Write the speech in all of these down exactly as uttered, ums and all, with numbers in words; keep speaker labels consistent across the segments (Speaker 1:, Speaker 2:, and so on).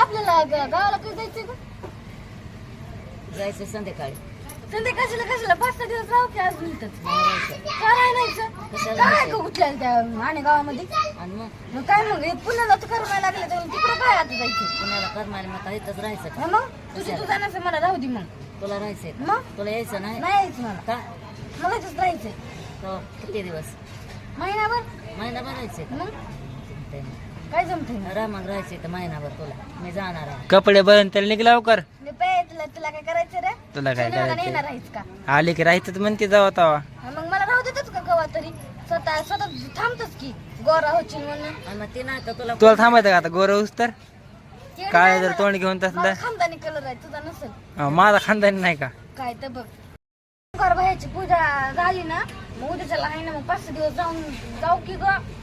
Speaker 1: आपल्याला ग- गावाला कधी जायचंय का?
Speaker 2: जायचं संध्याकाळी.
Speaker 1: संध्याकाळच्याला कशाला पाच सहा दिवस राहू की अजून इथंच?
Speaker 2: नाही राहायचं.
Speaker 1: का नाही जायचं?
Speaker 2: कशाला
Speaker 1: काय
Speaker 2: जायचं?
Speaker 1: का उठल्याला त्या आणि गावामध्ये?
Speaker 2: आणि मग
Speaker 1: मग काय मग हे पुण्याला तर करायला लागले तर तिकडे काय आता जायचं?
Speaker 2: पुण्याला करमाले मग इथंच राहायचं का?
Speaker 1: हा मग तुझी तू जाण्याचं मला राहू दे मग.
Speaker 2: तुला राहायचंय का?
Speaker 1: मग
Speaker 2: तुला यायचं नाही
Speaker 1: नाही यायचं मला.
Speaker 2: का?
Speaker 1: मला इथंच राहायचंय.
Speaker 2: तो किती दिवस?
Speaker 1: महिनाभर.
Speaker 2: महिनाभर राहायचंय का?
Speaker 1: मग
Speaker 2: जमतंय ना.
Speaker 1: काय जमतंय मग?
Speaker 2: राहा मग राहायचंय तर महिनाभर तुला. मी जाणार आहे.
Speaker 3: कपडे बदल त्याला निघ लवकर.
Speaker 1: मी पाय तुला तुला काय करायचं रे?
Speaker 3: तुला काय
Speaker 1: तुला
Speaker 3: करायचं?
Speaker 1: येणार आहेस का?
Speaker 3: आले की राहायचं तर म्हणते जावा तवा.
Speaker 1: हा, मग मला राहू देतच का कवा तरी? स्वतः स्वतः थांबतच की गोरा होशील म्हणून.
Speaker 2: आणि मग ते नाही का तुला
Speaker 3: तुला थांबायचं का आता गोरवूस तर?
Speaker 1: येणं
Speaker 3: काय
Speaker 1: नाही
Speaker 3: जर
Speaker 1: मला.
Speaker 3: तोंड घेऊन तसलं?
Speaker 1: मला खानदानी कलर आहे तुझा नसेल.
Speaker 3: अं, माझा खानदानी नाही का?
Speaker 1: काय तर बघ ओंकार भाईची पूजा झाली ना मग उद्याच्याला आहे ना मग पाच सहा दिवस जाऊन जाऊ की ग.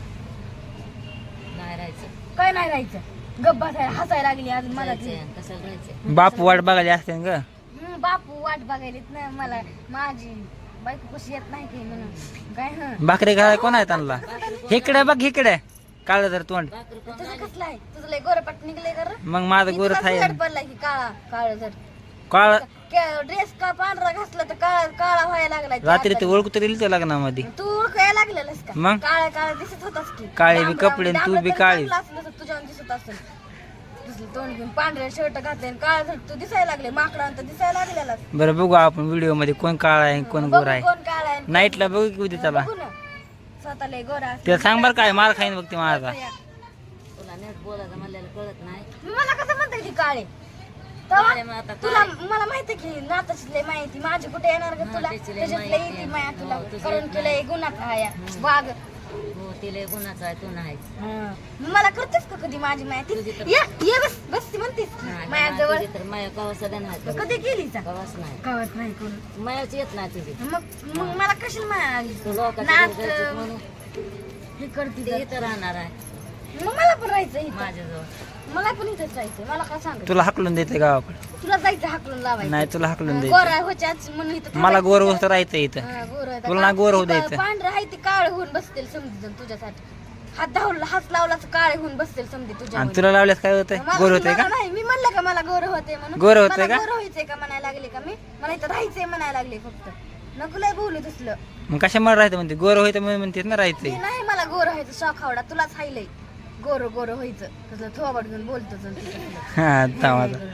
Speaker 2: नाही राहायचं.
Speaker 1: काय नाही राहायचं गप्पा हसायला लागली आज मला ती.
Speaker 2: जायचंय. कशाला राहायचंय?
Speaker 3: बापू वाट बघायला असते ग.
Speaker 1: हम्म, बापू वाट बघायलीत ना मला माझी बायको कशी येत नाही की म्हणून काय हं
Speaker 3: भाकरी घालाय कोण आहे त्यांना? इकडे बघ इकडे काळ जर तोंड.
Speaker 2: भाकरी कोण
Speaker 1: तुझं
Speaker 2: नाही?
Speaker 1: कसलं आहे तुझं लय गोरपाट निघले कर
Speaker 3: मग माझं गोर आहे
Speaker 1: पडला की काळा काळ जर
Speaker 3: काळ.
Speaker 1: ड्रेस का पांढरा घातला तर काळा काळा व्हायला लागलाय ते
Speaker 3: रात्री ते
Speaker 1: आता.
Speaker 3: ओळखू तरी येईल लग्नामध्ये.
Speaker 1: तू ओळखायला लागलेलंस का?
Speaker 3: मग?
Speaker 1: काळा काळा दिसत होतास की
Speaker 3: काळे बी
Speaker 1: डांबरा-
Speaker 3: कपडे आणि तू
Speaker 1: डांबरा
Speaker 3: बी
Speaker 1: तरी
Speaker 3: काळी.
Speaker 1: चांगला असलं तर तुझ्यावर दिसत असेल दिसलं तोंड घेऊन पांढरे शर्ट घातले आणि काळा शर्ट तू दिसायला लागले माकडांत दिसायला लागलेला
Speaker 3: बरं बघू आपण व्हिडिओ मध्ये कोण काळ आहे कोण गोर आहे.
Speaker 1: कोण काळा आहे आणि
Speaker 3: नाईटला बघू की उद्या त्याला.
Speaker 1: बघू ना. स्वतःला गोरा असं.
Speaker 3: त्याला सांग बरं काय मार खाईन बघ ते माझा.
Speaker 2: तुला नेट बोलायचं म्हणलेलं कळत नाही.
Speaker 1: मला कसं म्हणता ती काळे
Speaker 2: काळे मग आता
Speaker 1: तुला मला माहिती की नाताची लय माहिती माझी कुठे येणार का
Speaker 2: हा,
Speaker 1: तुला
Speaker 2: त्याची लय
Speaker 1: त्याच्यात लय
Speaker 2: माहिती
Speaker 1: येते
Speaker 2: आहे.
Speaker 1: माया तुला
Speaker 2: हो, तुझी
Speaker 1: कारण
Speaker 2: येत
Speaker 1: तुला
Speaker 2: नाही.
Speaker 1: एक गुन्हा आहे वाघ
Speaker 2: हो तिला गुणाचं आहे तू नाही.
Speaker 1: हं. मला करतेस का कधी माझी माया ती
Speaker 2: तुझी तर-
Speaker 1: ये ये बस बस ती म्हणतेस
Speaker 2: नाही,
Speaker 1: माया
Speaker 2: नाही,
Speaker 1: जवळ
Speaker 2: तुझी तर माया कवा सध्या नाही.
Speaker 1: कधी केली चा
Speaker 2: कवाच नाही.
Speaker 1: कळत नाही कोण
Speaker 2: मायाची येत नाही तुझी.
Speaker 1: मग मग मला कशाला माया आली
Speaker 2: तू लोकांच्या
Speaker 1: नाच
Speaker 2: घरी जायचं म्हणून
Speaker 1: हे करते
Speaker 2: ते
Speaker 1: तर.
Speaker 2: इथं राहणार आहे
Speaker 1: मग मला पण राहायचं इथं
Speaker 2: माझ्याजवळ.
Speaker 1: मला पण इथंच राहायचं मला काय सांग
Speaker 3: तुला हाकलून देते गावाकडे.
Speaker 1: तुला जायचं हाकलून लावायचं
Speaker 3: नाही तुला हाकलून
Speaker 1: गोरा
Speaker 3: द्यायचं.
Speaker 1: व्हायच्याच म्हणून इथं
Speaker 3: मला गोर
Speaker 1: थांबायचं.
Speaker 3: वस्तू राहायचं इथं.
Speaker 1: हा, गोरं आहे.
Speaker 3: तुला ना गोरं होऊ
Speaker 1: ती
Speaker 3: द्यायचं.
Speaker 1: पांढरं आहे ते काळ होऊन बसतील समजून तुझ्यासाठी हात धावला हात लावला तर काळे होऊन बसतील समजे तुझ्या
Speaker 3: आणि तुला लावल्यास काय होतंय? गोर होतंय का?
Speaker 1: नाही मी म्हणलं का मला गोर होते म्हणून
Speaker 3: गोरं होतंय
Speaker 1: मला
Speaker 3: का?
Speaker 1: गोरं व्हायचंय का म्हणायला लागले का मी मला इथं राहायचंय म्हणायला लागले फक्त नको लय बोलू तसलं
Speaker 3: मग कशामुळे राहायचं म्हणते गोर होतं म्हणून म्हणते ना
Speaker 1: मी
Speaker 3: राहायचंय.
Speaker 1: नाही मला गोर व्हायचं शॉक आवडा तुलाच हायलंय गोर गोर व्हायचं तसलं थोबाड घेऊन बोलतो जण तू तसलं.
Speaker 3: हा थांबा आता.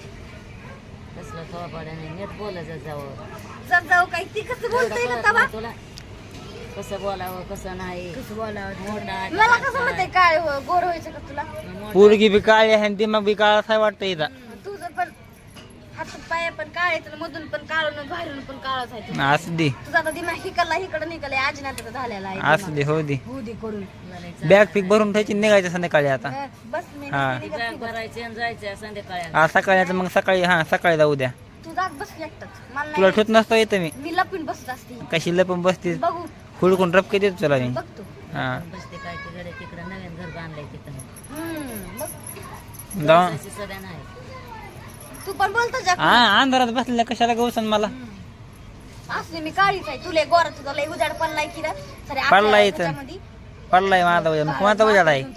Speaker 2: कसलं थोपाड्याने नीट बोलायचं जावं.
Speaker 1: जर जाऊ काही ती कसं बोलतोय ना तवा
Speaker 2: तुला कसं बोलावं कसं नाही.
Speaker 1: कसं बोलावं
Speaker 2: मोठा आहे,
Speaker 1: मला
Speaker 2: बारका
Speaker 1: कसं म्हणते
Speaker 2: आहे.
Speaker 1: काय हो गोर व्हायचं का तुला
Speaker 2: मोठा
Speaker 3: पोरगी बी काळी आहे आणि दिमाग बी काळा आहे वाटतं इथं.
Speaker 1: तुझं पण हात पाय पण काळे तर मधून पण काळून बाहेरून पण काळच आहे तुझं.
Speaker 3: असू दे
Speaker 1: तुझा आता दिमाग हिकडला इकडं निघाले आजीनाथ झालेला आहे
Speaker 3: असू दे हो दे.
Speaker 1: होऊ दे करून
Speaker 2: बोलायचं.
Speaker 3: बॅग फिक भरून ठेवायची निघायचं संध्याकाळी आता.
Speaker 1: हं, बस मी
Speaker 3: हा.
Speaker 1: नसते निघत
Speaker 2: बॅग
Speaker 1: निघत.
Speaker 2: भरायची आणि जायचं संध्याकाळी.
Speaker 3: आज सकाळी आता मग सकाळी हा सकाळी जाऊ द्या.
Speaker 1: तू जात बस एकटाच मला
Speaker 3: तुला
Speaker 1: नाही
Speaker 3: ठेवत नसतो येतं मी.
Speaker 1: मी लपून बसत असते
Speaker 3: कशी लपून बसते
Speaker 1: बघू
Speaker 3: हुडकून रपके देतो तुला मी.
Speaker 1: बघतो
Speaker 3: हा
Speaker 2: बसते काय तिकडे तिकडं नवीन घर बांधलंय तिथं.
Speaker 1: हम्म बघ
Speaker 3: जाऊ.
Speaker 2: जायची सध्या नाही.
Speaker 1: तू पण बोलतो जा
Speaker 3: हा अंधारात बसलेल्या कशाला गवसन मला.
Speaker 1: असली मी काळीच आहे तुला गोरा तुझा लय उजाड पडलाय की रे सरे
Speaker 3: पडलाय इथं. पडलाय माझा उजाड मग कोणाचा उजाड आहे?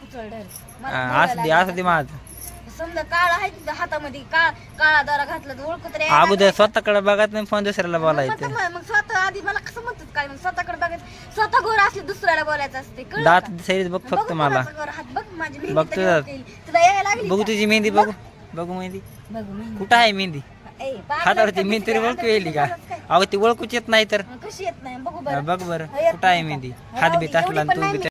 Speaker 3: हा, असू दे असू दे माझं.
Speaker 1: समजा काळा आहे तुझ्या हातामध्ये काळ काळा दारा घातला तर ओळखू तर यायला
Speaker 3: अगोदर स्वतःकडे बघत नाही फोन दुसऱ्याला
Speaker 1: मग
Speaker 3: बोलायचं.
Speaker 1: मग मग स्वतः आधी मला कसं म्हणतात काय मग स्वतःकडे बघायचं स्वतः गोर असले दुसऱ्याला बोलायचं असते कळलं
Speaker 3: दात
Speaker 1: का?
Speaker 3: दिसायला बघ
Speaker 1: बघू
Speaker 3: फक्त मला.
Speaker 1: कोणाचा गोरा हात बघ माझी मेहंदी
Speaker 3: बघ
Speaker 1: तर
Speaker 3: तुझा.
Speaker 1: घेऊन येईल. तुला यायला लागली
Speaker 3: बघू
Speaker 1: का?
Speaker 3: तुझी मेहंदी बघू बघू मेहंदी
Speaker 1: बघू मेहंदी.
Speaker 3: कुठं आहे मेहंदी?
Speaker 1: ए, बाप
Speaker 3: हातावरती
Speaker 1: रे,
Speaker 3: मेहंदी तरी
Speaker 1: कशी
Speaker 3: ओळखू
Speaker 1: काय?
Speaker 3: येईल का?
Speaker 1: काय?
Speaker 3: अहो ती ओळखूच येत नाही तर.
Speaker 1: कशी येत नाही बघू
Speaker 3: हा,
Speaker 1: बरं
Speaker 3: बघ बरं
Speaker 1: येत
Speaker 3: कुठं आहे
Speaker 1: नाही का?
Speaker 3: मेहंदी?
Speaker 1: राहू
Speaker 3: हात
Speaker 1: दे,
Speaker 3: बी
Speaker 1: एवढी
Speaker 3: टाकला
Speaker 1: पण
Speaker 3: आणि तू
Speaker 1: नाही
Speaker 3: बी